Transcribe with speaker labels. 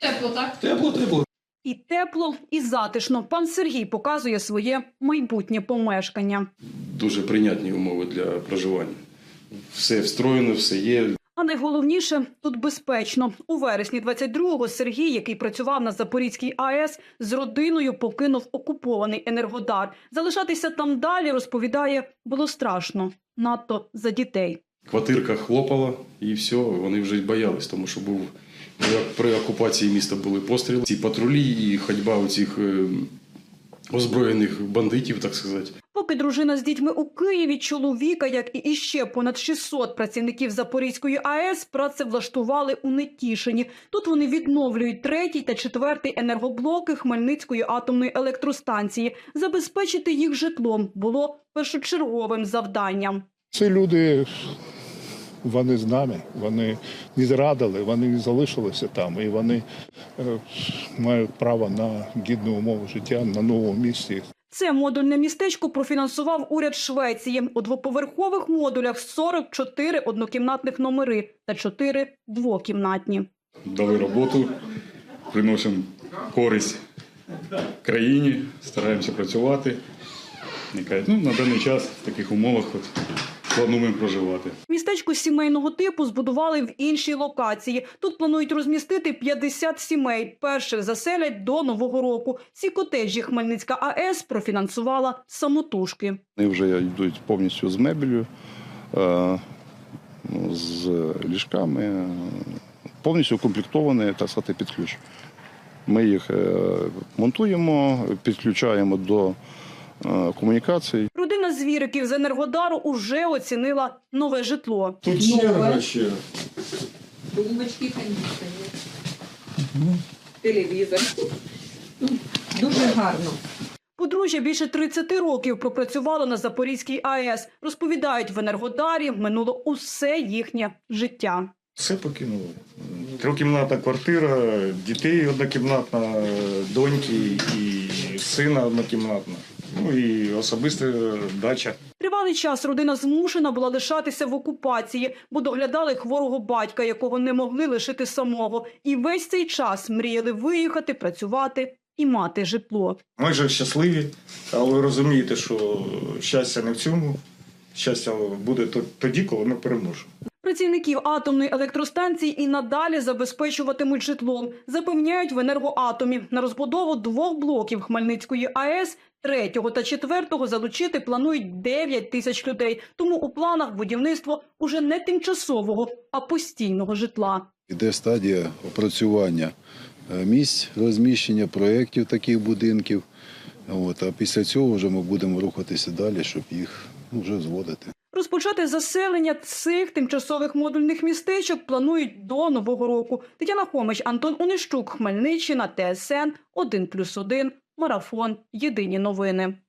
Speaker 1: Тепло, так?
Speaker 2: Тепло.
Speaker 3: І тепло, і затишно. Пан Сергій показує своє майбутнє помешкання.
Speaker 2: Дуже прийнятні умови для проживання. Все встроєно, все є.
Speaker 3: А найголовніше – тут безпечно. У вересні 22-го Сергій, який працював на Запорізькій АЕС, з родиною покинув окупований Енергодар. Залишатися там далі, розповідає, було страшно. Надто за дітей.
Speaker 2: Квартирка хлопала і все, вони вже й боялись, тому що при окупації міста були постріли. Ці патрулі і ходьба оцих озброєних бандитів, так сказати.
Speaker 3: Поки дружина з дітьми у Києві, чоловіка, як і іще понад 600 працівників Запорізької АЕС, працевлаштували у Нетішині. Тут вони відновлюють 3-й та 4-й енергоблоки Хмельницької атомної електростанції. Забезпечити їх житлом було першочерговим завданням.
Speaker 4: Ці люди, вони з нами, вони не зрадили, вони залишилися там, і вони мають право на гідну умову життя на новому місці.
Speaker 3: Це модульне містечко профінансував уряд Швеції. У двоповерхових модулях 44 однокімнатних номери та 4 двокімнатні.
Speaker 5: Дали роботу, приносимо користь країні, стараємося працювати. На даний час в таких умовах плануємо проживати.
Speaker 3: Містечко сімейного типу збудували в іншій локації. Тут планують розмістити 50 сімей. Перших заселять до Нового року. Ці котеджі Хмельницька АЕС профінансувала самотужки.
Speaker 6: Вони вже йдуть повністю з мебелью, з ліжками, повністю укомплектовані, так сказати, під ключ. Ми їх монтуємо, підключаємо до комунікацій.
Speaker 3: Родина Звіриків з Енергодару уже оцінила нове житло.
Speaker 5: Тут черга ще.
Speaker 1: Тумбочки, кондиціонер, телевізор. Дуже гарно.
Speaker 3: Подружжя більше 30 років пропрацювало на Запорізькій АЕС. Розповідають, в Енергодарі минуло усе їхнє життя.
Speaker 5: Все покинуло. Трьохкімнатна квартира, дітей однокімнатна, доньки і сина однокімнатна. І особиста дача.
Speaker 3: Тривалий час родина змушена була лишатися в окупації, бо доглядали хворого батька, якого не могли лишити самого. І весь цей час мріяли виїхати, працювати і мати житло.
Speaker 5: Ми вже щасливі, але ви розумієте, що щастя не в цьому. Щастя буде тоді, коли ми переможемо.
Speaker 3: Працівників атомної електростанції і надалі забезпечуватимуть житлом. Запевняють в Енергоатомі. На розбудову 2 блоків Хмельницької АЕС 3-го та 4-го залучити планують 9 тисяч людей. Тому у планах будівництво уже не тимчасового, а постійного житла.
Speaker 6: Іде стадія опрацювання місць розміщення проєктів таких будинків. А після цього вже ми будемо рухатися далі, щоб їх вже зводити.
Speaker 3: Розпочати заселення цих тимчасових модульних містечок планують до Нового року. Тетяна Хомич, Антон Онищук, Хмельниччина, ТСН 1+1, Марафон. Єдині новини.